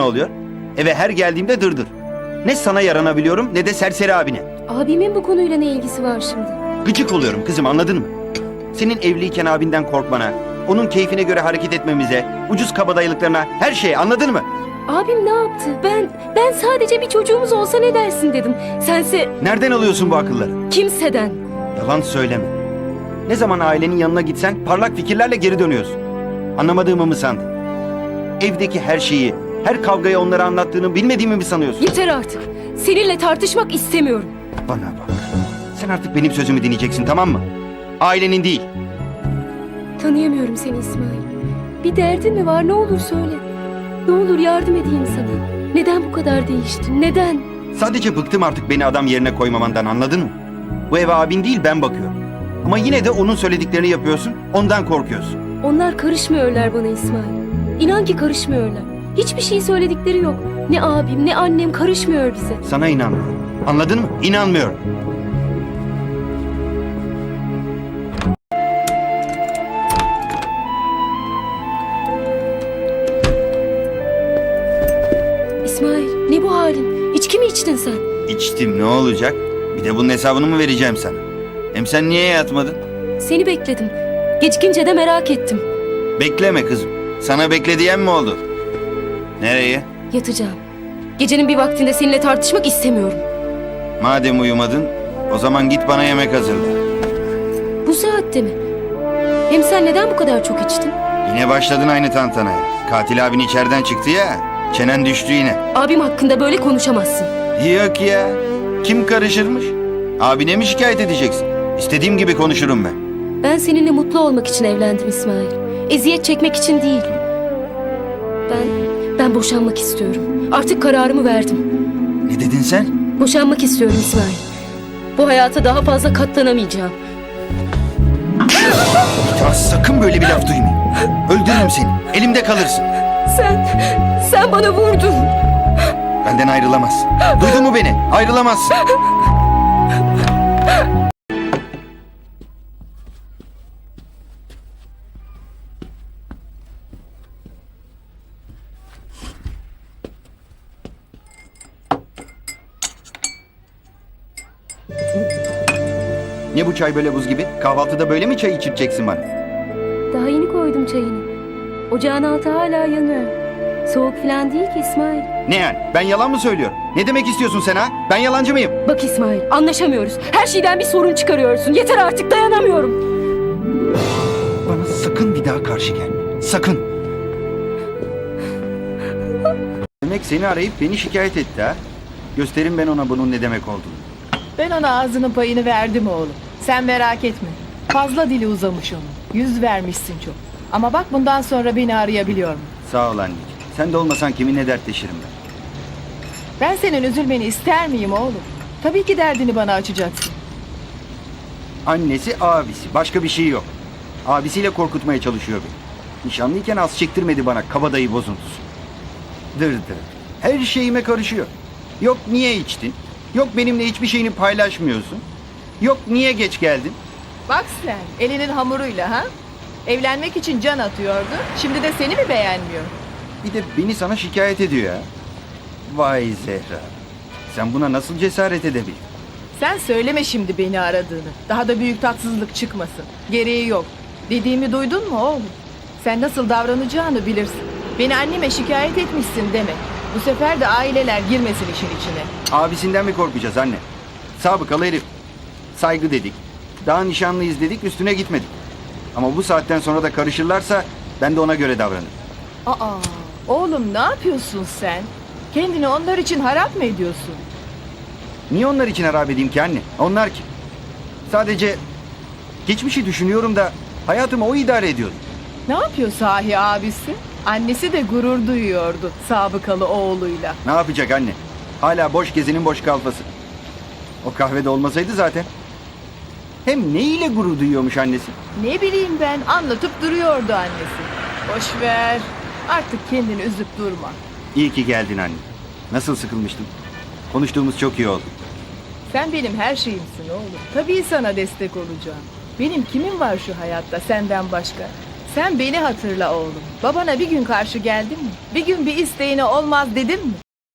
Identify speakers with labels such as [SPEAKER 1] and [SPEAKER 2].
[SPEAKER 1] oluyor? Eve her geldiğimde dırdır. Ne sana yaranabiliyorum ne de serseri abine.
[SPEAKER 2] Abimin bu konuyla ne ilgisi var şimdi?
[SPEAKER 1] Gıcık oluyorum kızım, anladın mı? Senin evliyken abinden korkmana, onun keyfine göre hareket etmemize, ucuz kabadayılıklarına, her şeye, anladın mı?
[SPEAKER 2] Abim ne yaptı? Ben sadece bir çocuğumuz olsa ne dersin dedim. Sense
[SPEAKER 1] Nereden alıyorsun bu akılları?
[SPEAKER 2] kimseden.
[SPEAKER 1] Yalan söyleme. Ne zaman ailenin yanına gitsen parlak fikirlerle geri dönüyorsun. Anlamadığımı mı sandın? Evdeki her şeyi, her kavgayı onlara anlattığını bilmediğimi mi sanıyorsun?
[SPEAKER 2] Yeter artık. Seninle tartışmak istemiyorum.
[SPEAKER 1] Bana bak. Sen artık benim sözümü dinleyeceksin, tamam mı? Ailenin değil.
[SPEAKER 2] Tanıyamıyorum seni İsmail. Bir derdin mi var, ne olur söyle. Ne olur yardım edeyim sana. Neden bu kadar değiştin? Neden?
[SPEAKER 1] Sadece bıktım artık beni adam yerine koymamandan, anladın mı? Bu eve abin değil ben bakıyorum. Ama yine de onun söylediklerini yapıyorsun, ondan korkuyorsun.
[SPEAKER 2] Onlar karışmıyorlar bana İsmail. İnan ki karışmıyorlar. Hiçbir şey söyledikleri yok. Ne abim ne annem karışmıyor bize.
[SPEAKER 1] Sana inanmıyorum. Anladın mı? İnanmıyorum.
[SPEAKER 2] İsmail, ne bu halin? İçki mi içtin sen?
[SPEAKER 1] İçtim, ne olacak? Bir de bunun hesabını mı vereceğim sana? Hem sen niye yatmadın?
[SPEAKER 2] Seni bekledim. Gecikince de merak ettim.
[SPEAKER 1] Bekleme kızım. Sana bekle diyen mi oldu? Nereye?
[SPEAKER 2] Yatacağım. Gecenin bir vaktinde seninle tartışmak istemiyorum.
[SPEAKER 1] Madem uyumadın, o zaman git bana yemek hazırla.
[SPEAKER 2] Bu saatte mi? Hem sen neden bu kadar çok içtin?
[SPEAKER 1] Yine başladın aynı tantanaya. Katil abin içeriden çıktı ya, çenen düştü yine.
[SPEAKER 2] Abim hakkında böyle konuşamazsın.
[SPEAKER 1] Yok ya, kim karışırmış? Abine mi şikayet edeceksin? İstediğim gibi konuşurum ben.
[SPEAKER 2] Ben seninle mutlu olmak için evlendim İsmail. Eziyet çekmek için değil. Ben boşanmak istiyorum. Artık kararımı verdim.
[SPEAKER 1] Ne dedin sen?
[SPEAKER 2] Boşanmak istiyorum İsmail. Bu hayata daha fazla katlanamayacağım.
[SPEAKER 1] Ya sakın böyle bir laf duymayayım. Öldürürüm seni, elimde kalırsın.
[SPEAKER 2] Sen bana vurdun.
[SPEAKER 1] Benden ayrılamazsın. Duydun mu beni? Ayrılamazsın. Ne bu çay böyle buz gibi? Kahvaltıda böyle mi çay içireceksin bana?
[SPEAKER 2] Daha yeni koydum çayını. Ocağın altı hala yanıyor. Soğuk falan değil ki İsmail.
[SPEAKER 1] Ne yani? Ben yalan mı söylüyorum? Ne demek istiyorsun sen ha? Ben yalancı mıyım?
[SPEAKER 2] Bak İsmail, anlaşamıyoruz. Her şeyden bir sorun çıkarıyorsun. Yeter artık, dayanamıyorum.
[SPEAKER 1] Bana sakın bir daha karşı gelme. Sakın. Demek seni arayıp beni şikayet etti ha? Gösterin ben ona bunun ne demek olduğunu.
[SPEAKER 3] Ben ona ağzının payını verdim oğlum. Sen merak etme. Fazla dili uzamış onun. Yüz vermişsin çok. Ama bak bundan sonra beni arayabiliyor mu?
[SPEAKER 1] Sağ ol anneciğim. Sen de olmasan kiminle dertleşirim ben.
[SPEAKER 3] Ben senin üzülmeni ister miyim oğlum? Tabii ki derdini bana açacaksın.
[SPEAKER 1] Annesi, abisi. Başka bir şey yok. Abisiyle korkutmaya çalışıyor beni. Nişanlıyken az çektirmedi bana kabadayı bozuntusu. Dır. Her şeyime karışıyor. Yok niye içtin? Yok benimle hiçbir şeyini paylaşmıyorsun. Yok niye geç geldin?
[SPEAKER 3] Bak sen elinin hamuruyla ha? Evlenmek için can atıyordu. Şimdi de seni mi beğenmiyor?
[SPEAKER 1] Bir de beni sana şikayet ediyor ya. Vay Zehra. Sen buna nasıl cesaret edebildin?
[SPEAKER 3] Sen söyleme şimdi beni aradığını. Daha da büyük tatsızlık çıkmasın. Gereği yok. Dediğimi duydun mu oğlum? Sen nasıl davranacağını bilirsin. Beni anneme şikayet etmişsin demek. Bu sefer de aileler girmesin işin içine.
[SPEAKER 1] Abisinden mi korkacağız anne? Sabıkalı herif. Saygı dedik. Daha nişanlıyız dedik, üstüne gitmedik. Ama bu saatten sonra da karışırlarsa ben de ona göre davranırım.
[SPEAKER 3] Aa, oğlum ne yapıyorsun sen? Kendini onlar için harap mı ediyorsun?
[SPEAKER 1] Niye onlar için harap edeyim ki anne? Onlar kim? Sadece geçmişi düşünüyorum da hayatımı o idare ediyordu.
[SPEAKER 3] Ne yapıyor sahi abisi? Annesi de gurur duyuyordu sabıkalı oğluyla.
[SPEAKER 1] Ne yapacak anne? Hala boş gezinin boş kalfası. O kahvede olmasaydı zaten. Hem neyle gurur duyuyormuş annesi?
[SPEAKER 3] Ne bileyim ben, anlatıp duruyordu annesi. Boş ver, artık kendini üzüp durma.
[SPEAKER 1] İyi ki geldin anne. Nasıl sıkılmıştım. Konuştuğumuz çok iyi oldu.
[SPEAKER 3] Sen benim her şeyimsin oğlum. Tabii sana destek olacağım. Benim kimim var şu hayatta senden başka? Sen beni hatırla oğlum. Babana bir gün karşı geldin mi? Bir gün bir isteğine olmaz dedin mi?